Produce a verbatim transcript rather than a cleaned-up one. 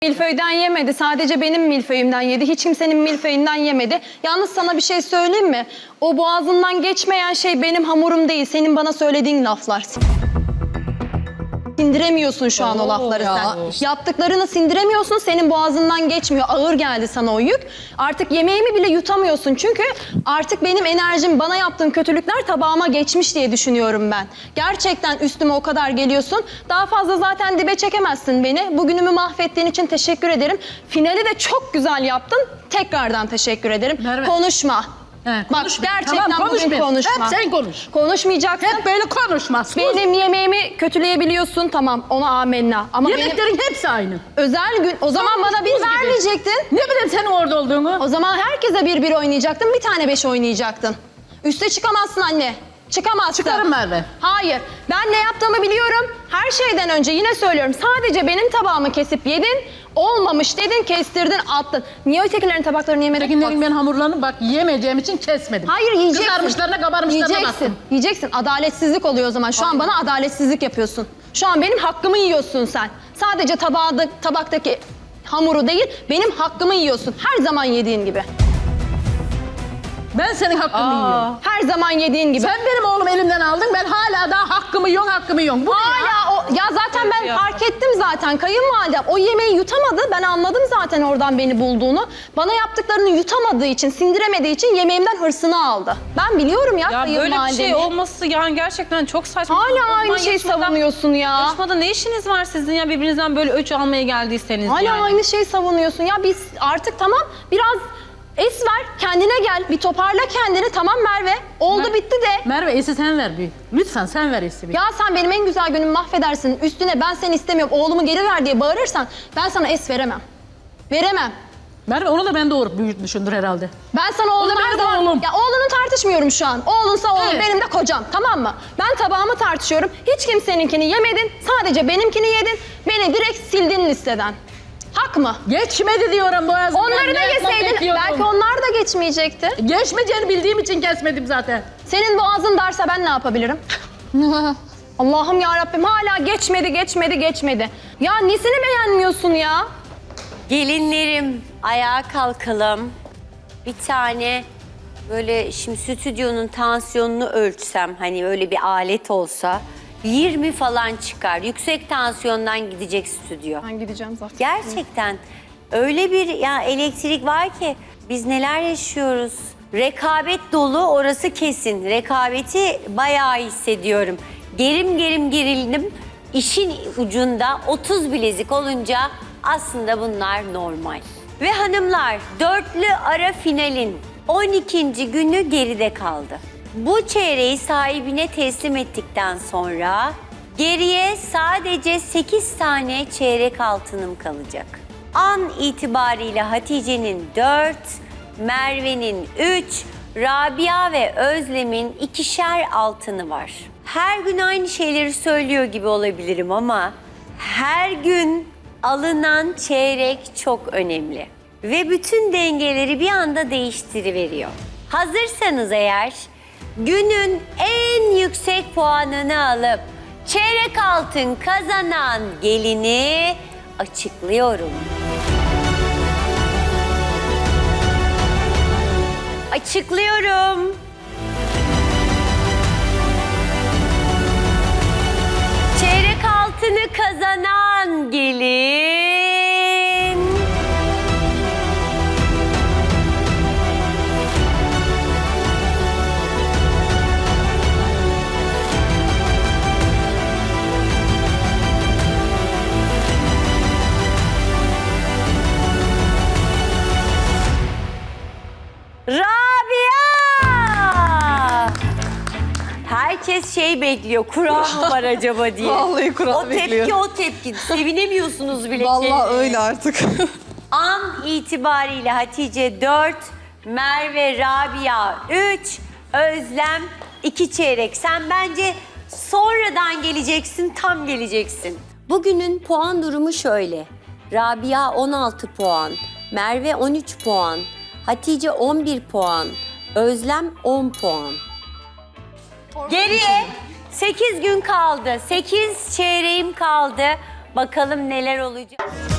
Milföy'den yemedi. Sadece benim milföyümden yedi. Hiç kimsenin milföyünden yemedi. Yalnız sana bir şey söyleyeyim mi? O boğazından geçmeyen şey benim hamurum değil. Senin bana söylediğin laflar. Sindiremiyorsun şu an Oo, o lafları ya. sen. Yaptıklarını sindiremiyorsun. Senin boğazından geçmiyor. Ağır geldi sana o yük. Artık yemeğimi bile yutamıyorsun. Çünkü artık benim enerjim, bana yaptığın kötülükler tabağıma geçmiş diye düşünüyorum ben. Gerçekten üstüme o kadar geliyorsun. Daha fazla zaten dibe çekemezsin beni. Bugünümü mahvettiğin için teşekkür ederim. Finali de çok güzel yaptın. Tekrardan teşekkür ederim. Merve. Konuşma. He, Bak konuşma. gerçekten Tamam, bugün konuşma. konuşma. Hep sen konuş. Konuşmayacaksın. Hep böyle konuşma. Sus. Benim yemeğimi kötüleyebiliyorsun, tamam, ona amenna. Ama benim Yemeklerin hepsi aynı. özel gün, o zaman Buz bana bir gibi. vermeyecektin. Ne bileyim senin orada olduğunu. O zaman herkese bir bir oynayacaktın, bir tane beş oynayacaktın. Üste çıkamazsın anne. Çıkamazsın. Çıkarım Merve. Hayır. Ben ne yaptığımı biliyorum. Her şeyden önce yine söylüyorum. Sadece benim tabağımı kesip yedin. Olmamış dedin, kestirdin, attın. Niye ötekilerin tabaklarını yemedin? Ötekilerin ben hamurlarını bak yiyemeyeceğim için kesmedim. Hayır, yiyeceksin. Kızarmışlarına kabarmışlarına Yiyeceksin. baktım. Yiyeceksin. Adaletsizlik oluyor o zaman. Şu an bana adaletsizlik yapıyorsun. Şu an benim hakkımı yiyorsun sen. Sadece tabağda, tabaktaki hamuru değil, benim hakkımı yiyorsun. Her zaman yediğin gibi. Ben senin hakkını yiyorum. Her zaman yediğin gibi. Sen benim oğlum elimden aldın. Ben hala daha hakkımı yiyorum, hakkımı yiyorum. Bu ne ya? Hala o, ya zaten ben fark ettim zaten kayınvalidem. O yemeği yutamadı. Ben anladım zaten oradan beni bulduğunu. Bana yaptıklarını yutamadığı için, sindiremediği için yemeğimden hırsını aldı. Ben biliyorum ya, Ya böyle bir kayınvalidemi. şey olması yani gerçekten çok saçma. Hala Ondan aynı şeyi yarışmadan- savunuyorsun ya. Yarışmada ne işiniz var sizin ya birbirinizden böyle öç almaya geldiyseniz Hala yani. aynı şeyi savunuyorsun. Ya biz artık tamam, biraz es ver, kendine gel, bir toparla kendini. Tamam Merve, oldu Mer- bitti de. Merve esi sen ver bir. Lütfen sen ver esi bir. Ya sen benim en güzel günümü mahvedersin. Üstüne ben seni istemiyorum, oğlumu geri ver diye bağırırsan ben sana es veremem. Veremem. Merve onu da ben doğurup büyütmüşümdür herhalde. Ben sana oğlum O da her benim zaman... oğlum. Ya oğlunu tartışmıyorum şu an. Oğlunsa oğlum, Evet. benim de kocam, tamam mı? Ben tabağımı tartışıyorum. Hiç kimseninkini yemedin. Sadece benimkini yedin. Beni direkt sildin listeden. Hak mı? Geçmedi diyorum boğazımdan. Onları da Ne yapmak yeseydin bekliyorum? belki onlar da geçmeyecekti. Geçmeyeceğini bildiğim için kesmedim zaten. Senin boğazın darsa ben ne yapabilirim? Allah'ım ya Rabbim, hala geçmedi, geçmedi, geçmedi. Ya nesini beğenmiyorsun ya? Gelinlerim, ayağa kalkalım. Bir tane böyle şimdi stüdyonun tansiyonunu ölçsem, hani öyle bir alet olsa yirmi falan çıkar. Yüksek tansiyondan gidecek stüdyo. Ben gideceğim zaten. Gerçekten öyle bir ya elektrik var ki biz neler yaşıyoruz. Rekabet dolu, orası kesin. Rekabeti bayağı hissediyorum. Gerim gerim gerildim. İşin ucunda otuz bilezik olunca aslında bunlar normal. Ve hanımlar, dörtlü ara finalin on ikinci günü geride kaldı. Bu çeyreği sahibine teslim ettikten sonra geriye sadece sekiz tane çeyrek altınım kalacak. An itibariyle Hatice'nin dört, Merve'nin üç, Rabia ve Özlem'in ikişer altını var. Her gün aynı şeyleri söylüyor gibi olabilirim ama her gün alınan çeyrek çok önemli. Ve bütün dengeleri bir anda değiştiriveriyor. Hazırsanız eğer günün en yüksek puanını alıp çeyrek altın kazanan gelini açıklıyorum. Açıklıyorum. Çeyrek altını kazanan gelin... Rabia! Herkes şey bekliyor, kura mı var acaba diye. Vallahi kura O tepki, bekliyorum. o tepki. Sevinemiyorsunuz bile. Vallahi kendinize. öyle artık. An itibariyle Hatice dört, Merve, Rabia üç, Özlem iki çeyrek. Sen bence sonradan geleceksin, tam geleceksin. Bugünün puan durumu şöyle. Rabia on altı puan, Merve on üç puan, Hatice on bir puan, Özlem on puan. Geriye sekiz gün kaldı. sekiz çeyreğim kaldı. Bakalım neler olacak.